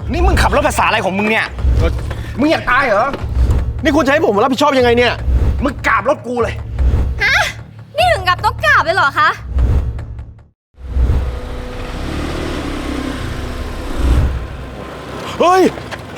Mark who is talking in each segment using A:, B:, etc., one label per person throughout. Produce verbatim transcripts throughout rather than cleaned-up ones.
A: นี่มึงขับรถภาษาอะไรของมึงเนี่ยมึงอยากตายเหรอ
B: นี่คุณจะให้ผมรับผิดชอบยังไงเนี่ย
A: มึงกราบรถกูเลย
C: ฮะนี่ถึงกับต้องกราบเลยเหรอคะ
B: เฮ้ย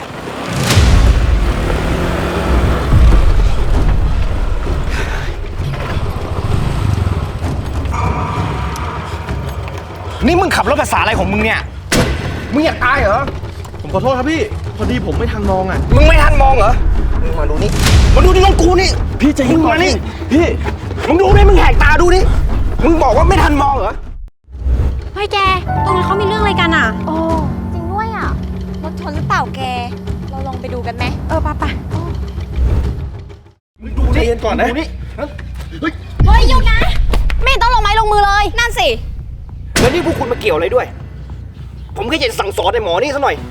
A: นี่มึงขับรถภาษาอะไรของมึงเนี่ยมึงอยากตายเหรอ
B: ผมขอโทษครับพี่พอดีผมไม่ทันมองอ่ะ
A: มึงไม่ทันมองเหรอมึงมาดูนี่มาดูที่รถกูนี่
B: พี่จะยิง
A: มานี่
B: พี่
A: มึงดูนี่มึงแหกตาดูนี่มึงบอกว่าไม่ทันมองเหรอ
C: เฮ้ยแกตรงนั้นเขามีเรื่องอะไรกันอ่ะโอ้จริงด้วยอ่ะรถชนหรือเปล่าแกเราลองไปดูกันไหมเออไปไป
A: มึงดูนี่เย็นก่อนนะนี่เฮ้ย
C: เฮ้ยหยุดนะไม่ต้องลงไม้ลงมือเลยนั่นสิ
A: แล้วนี่พวกคุณมาเกี่ยวอะไรด้วยผมแค่จะสั่งสอนไอ้หมอนี่ซะหน่อย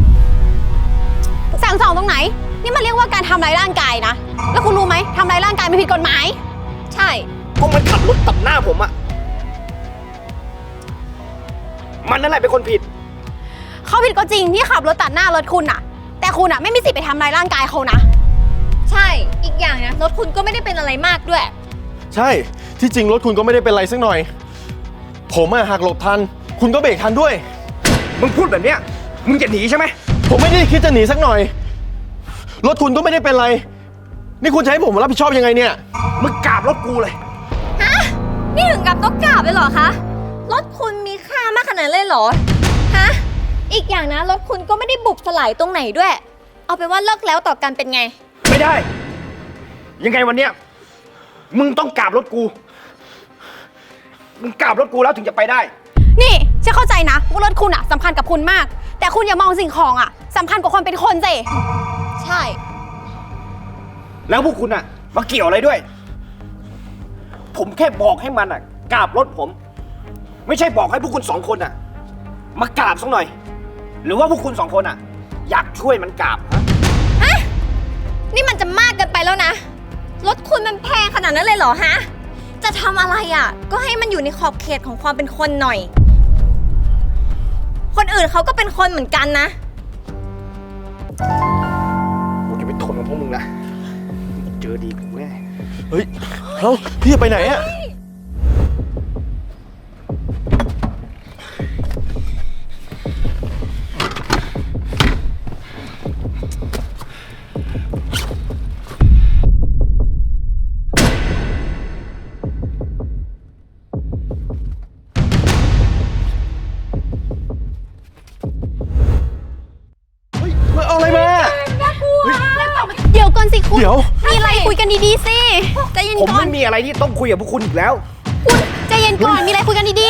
C: สั่งสอนตรงไหนนี่มันเรียกว่าการทำร้ายร่างกายนะแล้วคุณรู้ไหมทำร้ายร่างกายไม่ผิดกฎหมายใช่
A: ก็มันขับรถตัดหน้าผมอะมันนั่นแหละเป็นคนผิด
C: เขาผิดก็จริงที่ขับรถตัดหน้ารถคุณอะแต่คุณอะไม่มีสิทธิ์ไปทำร้ายร่างกายเขานะใช่อีกอย่างนะรถคุณก็ไม่ได้เป็นอะไรมากด้วย
B: ใช่ที่จริงรถคุณก็ไม่ได้เป็นอะไรสักหน่อยผมอะหักหลบทันคุณก็เบรกทันด้วย
A: มึงพูดแบบเนี้ยมึงจะหนีใช่ไหม
B: ผมไม่ได้คิดจะหนีสักหน่อยรถคุณก็ไม่ได้เป็นไรนี่คุณจะให้ผมรับผิดชอบยังไงเนี่ย
A: มึงกราบรถกูเลย
C: ฮะนี่ถึงกับต้องกราบเลยเหรอคะรถคุณมีค่ามากขนาดนั้นเลยเหรอฮะอีกอย่างนะรถคุณก็ไม่ได้บุบสลายตรงไหนด้วยเอาเป็นว่าเลิกแล้วต่อกันเป็นไง
A: ไม่ได้ยังไงวันเนี้ยมึงต้องกราบรถกูมึงกราบรถกูแล้วถึงจะไปได้
C: นี่ฉันเข้าใจนะว่ารถคุณอะสำคัญกับคุณมากแต่คุณอย่ามองสิ่งของอะสำคัญกว่าคนเป็นคนสิใช่
A: แล้วพวกคุณอะมาเกี่ยวอะไรด้วยผมแค่บอกให้มันอะกราบรถผมไม่ใช่บอกให้พวกคุณสองคนอะมากราบสักหน่อยหรือว่าพวกคุณสองคนอะอยากช่วยมันกราบ
C: ฮะนี่มันจะมากเกินไปแล้วนะรถคุณมันแพงขนาดนั้นเลยเหรอฮะจะทำอะไรอ่ะก็ให้มันอยู่ในขอบเขตของความเป็นคนหน่อยคนอื่นเขาก็เป็นคนเหมือนกันนะ
A: กูจะไปทนกับพวกมึงนะเจอดีกูแน่
B: เฮ้ยเฮ้าพี่จะไปไหนอ่ะ
C: เดี๋ยวก่อนสิคุณ
B: เดี๋ยว
C: มีอะไรคุยกันดีๆสิใจเย็นก่อน
A: ผมไม่มีอะไรที่ต้องคุยกับพวกคุณอีกแล้ว
C: คุณใจเย็นก่อนมีอะไรคุยกันดี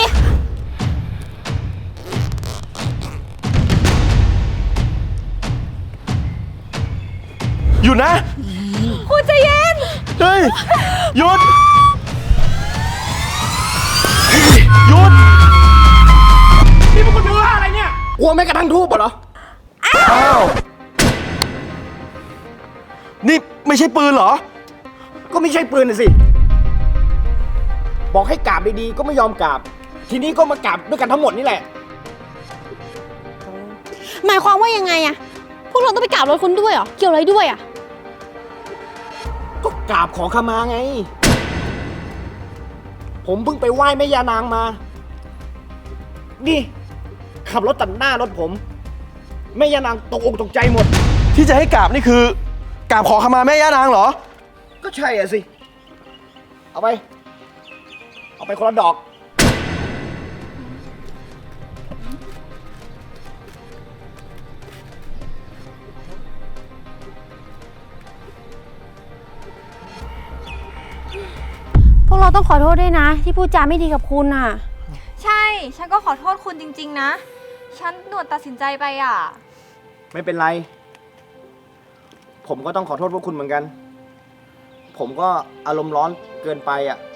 B: ๆหยุดนะ
C: คุณใจเย็น
B: เฮ้ยหยุดหยุด
A: นี่พวกคุณเป็นว่าอะไรเนี่ยกลัวแม้กระทั่งทูบเหรอ
B: อ้าวนี่ไม่ใช่ปืนเหรอ
A: ก็ไม่ใช่ปืนน่ะสิบอกให้กราบดีๆก็ไม่ยอมกราบทีนี้ก็มากราบด้วยกันทั้งหมดนี่แหละ
C: หมายความว่ายังไงอะพวกเราต้องไปกราบรถคุณด้วยเหรอเกี่ยวอะไรด้วยอะ
A: ก็กราบขอขมาไงผมเพิ่งไปไหว้แม่ยานางมานี่ขับรถตัดหน้ารถผมแม่ยานางตกอกตกใจหมด
B: ที่จะให้กราบนี่คือกราบขอขมาแม่ย่านางเหรอ
A: ก็ใช่อ่ะสิเอาไปเอาไปคนละดอก
C: พวกเราต้องขอโทษด้วยนะที่พูดจาไม่ดีกับคุณอ่ะ
D: ใช่ฉันก็ขอโทษคุณจริงๆนะฉันด่วนตัดสินใจไปอ่ะ
A: ไม่เป็นไรผมก็ต้องขอโทษพวกคุณเหมือนกันผมก็อารมณ์ร้อนเกินไปอ่ะ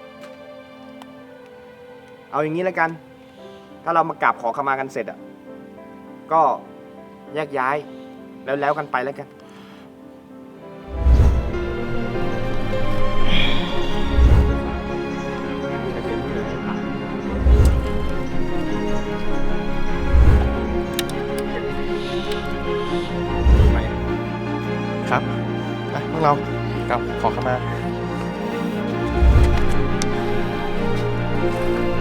A: เอาอย่างนี้แล้วกันถ้าเรามากราบขอขมากันเสร็จอ่ะก็แยกย้ายแล้วแล้วกันไปแล้วกัน
B: ไปครับไปพวกเราครับขอเข้ามา